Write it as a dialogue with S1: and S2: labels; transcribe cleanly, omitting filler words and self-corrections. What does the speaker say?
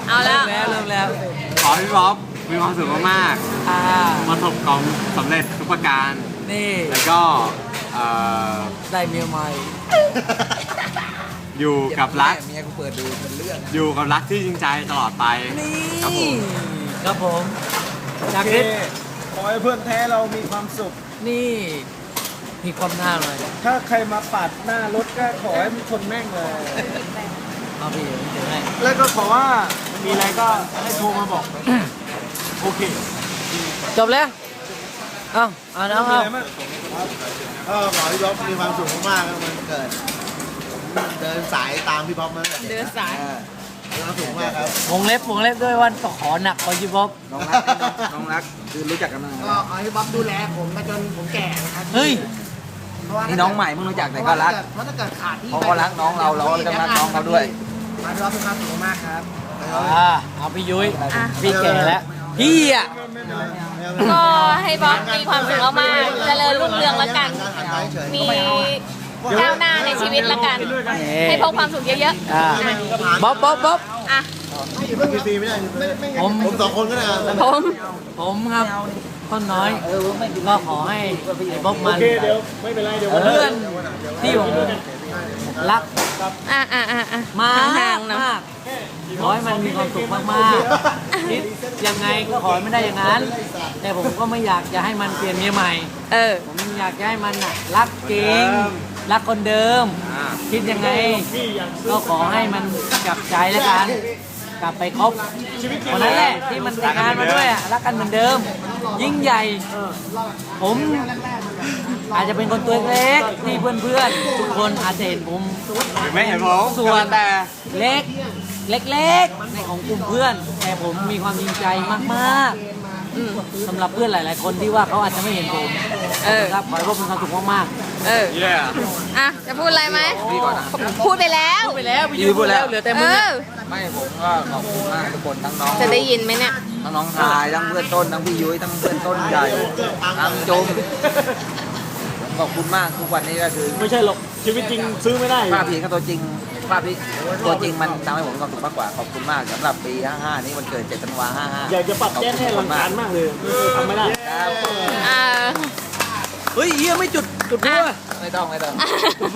S1: เอาแล้ว
S2: เริ่มแล้ว
S3: ขอพี่บ๊อบมีความสุขมาก
S2: อ่า
S3: ๆประสบความสำเร็จทุกประการ
S2: นี่
S3: แล้วก็
S2: ได้เมียใหม่
S3: อยู่กับรัก
S4: เมียกูเปิดดูเป็นเรื่อง
S3: อยู่กับรักที่จริงใจตลอดไป
S2: นี่
S3: ครับผม
S2: ครับผมจากคลิป
S5: ขอให้เพื่อนแท้เรามีความสุข
S2: นี่มีความหน้าหน่อย
S5: ถ้าใครมาปาดหน้ารถก็ขอให้มันชนแม่งเลย
S2: เอาพี่เดี๋ยวให้
S5: แล้วก็ขอว่ามีอะไรก็ให้โทรมาบอก โอเค
S2: จบแล้วเอาน้องเอา
S4: ก็ขอพี่บ๊อบมีความสุขมากๆครับมันเกิดผมเดินสายตามพี่บ๊อบมาตั้งแต่
S1: เดินสาย
S4: มีความสุขมากครับ
S2: วงเล็บด้วยวันขอหนักกว่ายูบ๊อบ
S4: น้องรักคือรู้จักกันมา
S6: ก็ขอให้บ๊อบดูแลผมมาจนผมแก่นะครับ
S2: เฮ้ย
S6: เพราะว่า
S4: นี่น้องใหม่เพิ่งรู้จักแต่ก็รัก
S6: เพราะถ้าเกิดขาดที่
S4: เพราะเขารักน้องเราก็ต้องรักน้องเขาด้วย
S6: ขอให้บ๊อบมีความสุขมากครับ
S2: เอาพี่ยุ้ยพี่แก่แล้วพี่อ่ะ
S1: ก็ให้บ๊อบมีความสุขมากๆเจริญรุ่งเรืองแล้วกัน มีก้าวหน้าในชีวิตแล้วกัน ให้พบความสุขเยอะ
S2: อ่าบ๊อบ
S1: ๆ อ่ะ
S4: ฟรีไม่ได้
S2: ผม
S4: ผมสองคนก็ได้ครับ
S1: ผม
S2: ครับต้นน้อยก็ขอให้ไอ้บ๊อบมัน
S5: โอเคเดี๋ยวไม่เป็นไรเดี๋ยววัน
S2: เพื่อนที่ผมรัก
S1: อ่ะ
S2: มา
S1: ห่างๆนะ
S2: มากขอให้มันมีความสุขมากๆคิดยังไงก็ขอให้มันได้อย่างนั้น แต่ผมก็ไม่อยากจะให้มันเปลี่ยนเมียใหม่
S1: เออ
S2: ผมอยากจะให้มันน่ะรักจริง รักคนเดิม คิดยังไง ก็ขอให้มันกลับใจแล้วกัน กลับไปคบคนนั้นแหละที่มันแต่งงานมาด้วยอ่ะรักกันเหมือนเดิม ยิ่งใหญ่ ผมอาจจะเป็นคนตัวเล็กที่เพื่อนๆทุกคนอาจจะเห็นผม
S3: หรือไม่เห็นผม
S2: ส่วน
S3: แต่
S2: เล็กในของกลุ่มเพื่อน แต่ผมมีความจริงใจมากๆสำหรับเพื่อนหลายๆคนที่ว่าเขาอาจจะไม่เห็นผม
S1: เออ
S2: ครับขอให้พวกมีความสุขมาก
S1: เออ
S3: เย่
S1: อ่ะ จะพูดอะไรไหมพูดไปแล้ว
S2: ๆไปแล้วพี่ยูพูดแล้วเหลือแต่
S1: เอ
S2: มึง
S1: อ
S4: ไม่ผมก็ขอบคุณมากทุกคนทั้งน้อง
S1: จะได้ยินไหมเนี่ย
S4: ทั้งน้องชายทั้งเพื่อนต้นทั้งพี่ยุ้ยทั้งเพื่อนต้นใหญ่ทั้งจมขอบคุณมากทุกวันนี้ก็คือ
S5: ไม่ใช่หรอกชีวิตจริงซื้อไม่ได้
S4: ภาพเพียงแค่ตัวจริงภาพที่ตัวจริงมันทำให้ผมมีความสุขมากกว่าขอบคุณมากสำหรับปี 55 นี้วันเกิด7 ธันวา 55
S5: อยากจะปรับแก้ให้รังการมากเลยทำไม่ได้
S4: ครับ
S1: อ่า
S2: เฮ้ยเฮียไม่จุดด้วย
S4: ไม่ต้อง